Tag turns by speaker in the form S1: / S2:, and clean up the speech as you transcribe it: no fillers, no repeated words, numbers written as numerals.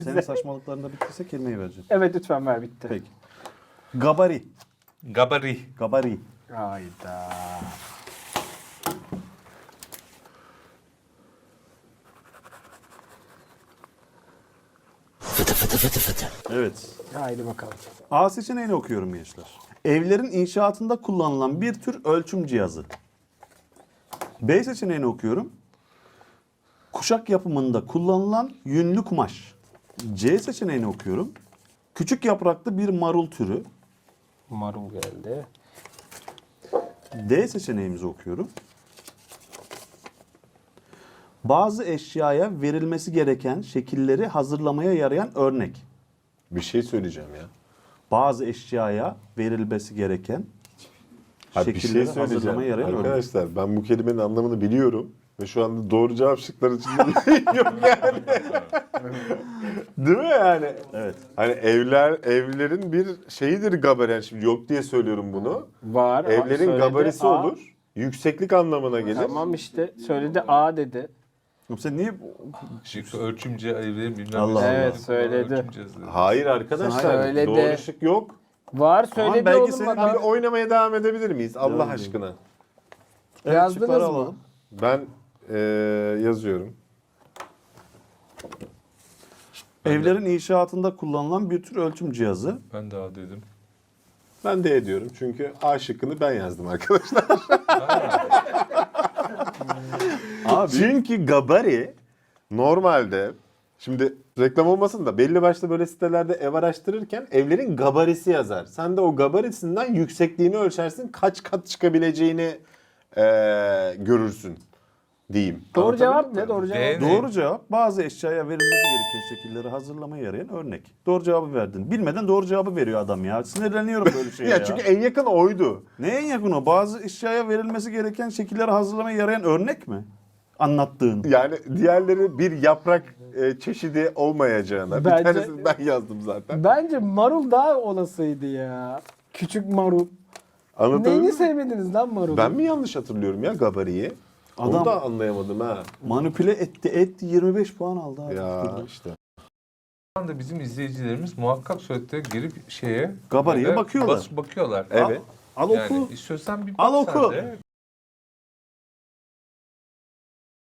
S1: Senin saçmalıklarında bittiyse kelimeyi vereceğim.
S2: Evet lütfen ver, bitti.
S1: Peki. Gabari.
S3: Gabari.
S1: Gabari.
S2: Hayda.
S1: Evet.
S2: Haydi bakalım.
S1: A seçeneğini okuyorum gençler. Evlerin inşaatında kullanılan bir tür ölçüm cihazı. B seçeneğini okuyorum. Kuşak yapımında kullanılan yünlü kumaş. C seçeneğini okuyorum. Küçük yapraklı bir marul türü.
S2: Marul geldi.
S1: D seçeneğimizi okuyorum. Bazı eşyaya verilmesi gereken şekilleri hazırlamaya yarayan örnek.
S4: Bir şey söyleyeceğim ya.
S1: Bazı eşyaya verilmesi gereken
S4: Abi bir şey
S1: şekilleri
S4: söyleyeceğim.
S1: hazırlamaya yarayan örnek.
S4: Arkadaşlar ben bu kelimenin anlamını biliyorum. Ve şu anda doğru cevap şıkları içinde yok yani. Değil mi yani?
S1: Evet.
S4: Hani evlerin bir şeyidir gabari. Şimdi yok diye söylüyorum bunu.
S2: Var.
S4: Evlerin
S2: söyledi,
S4: gabarisi
S2: A.
S4: olur. Yükseklik anlamına gelir.
S2: Tamam işte söyledi, A dedi.
S1: Oğlum sen niye
S3: Şık ölçümce evlerin bilmem
S1: Allah
S3: nesi.
S1: Allah.
S2: Evet, söyledi.
S3: Ölçüm cihazı.
S4: Hayır arkadaşlar.
S2: Söyledi.
S4: Doğru şık yok.
S2: Var söyledi
S1: belki
S2: oğlum
S1: senin
S2: adam.
S4: Abi oynamaya devam edebilir miyiz? Allah
S1: Devam
S4: aşkına.
S1: Evet,
S2: Yazdınız
S1: şıkları
S2: mı?
S1: alalım.
S4: Ben yazıyorum.
S1: Evlerin inşaatında kullanılan bir tür ölçüm cihazı.
S3: Ben daha dedim.
S4: Ben de ediyorum çünkü A şıkkını ben yazdım arkadaşlar.
S1: Abi
S4: Çünkü gabari normalde şimdi reklam olmasın da belli başlı böyle sitelerde ev araştırırken evlerin gabarisi yazar. Sen de o gabarisinden yüksekliğini ölçersin, kaç kat çıkabileceğini görürsün diyeyim.
S2: Doğru
S4: Anlatabildim
S2: cevap
S4: mi?
S2: ne? Doğru cevap.
S3: D.
S1: doğru cevap bazı eşyaya verilmesi gereken şekilleri hazırlamaya yarayan örnek. Doğru cevabı verdin. Bilmeden doğru cevabı veriyor adam ya. Sinirleniyorum böyle şeye ya.
S4: Ya çünkü en yakın oydu.
S1: Ne en yakın o? Bazı eşyaya verilmesi gereken şekilleri hazırlamaya yarayan örnek mi? Anlattığın.
S4: Yani diğerleri bir yaprak çeşidi olmayacağına.
S2: Bence-
S4: Bir tanesini ben yazdım zaten.
S2: Bence marul daha olasıydı ya. Küçük marul.
S4: Anlatabildim
S2: Neyini
S4: mi?
S2: sevmediniz lan marulu?
S4: Ben mi yanlış hatırlıyorum ya gabariyi? Onu
S1: Adam-
S4: da anlayamadım ha.
S1: Manipüle etti 25 puan aldı abi.
S4: Ya işte.
S3: Şu anda bizim izleyicilerimiz muhakkak surette girip şeye
S1: Gabariye
S3: böyle
S1: bakıyorlar.
S3: bakıyorlar.
S4: Evet.
S1: Al
S3: Yani
S1: oku.
S3: istiyorsan bir
S1: Al
S3: bak sen
S1: oku.
S3: de.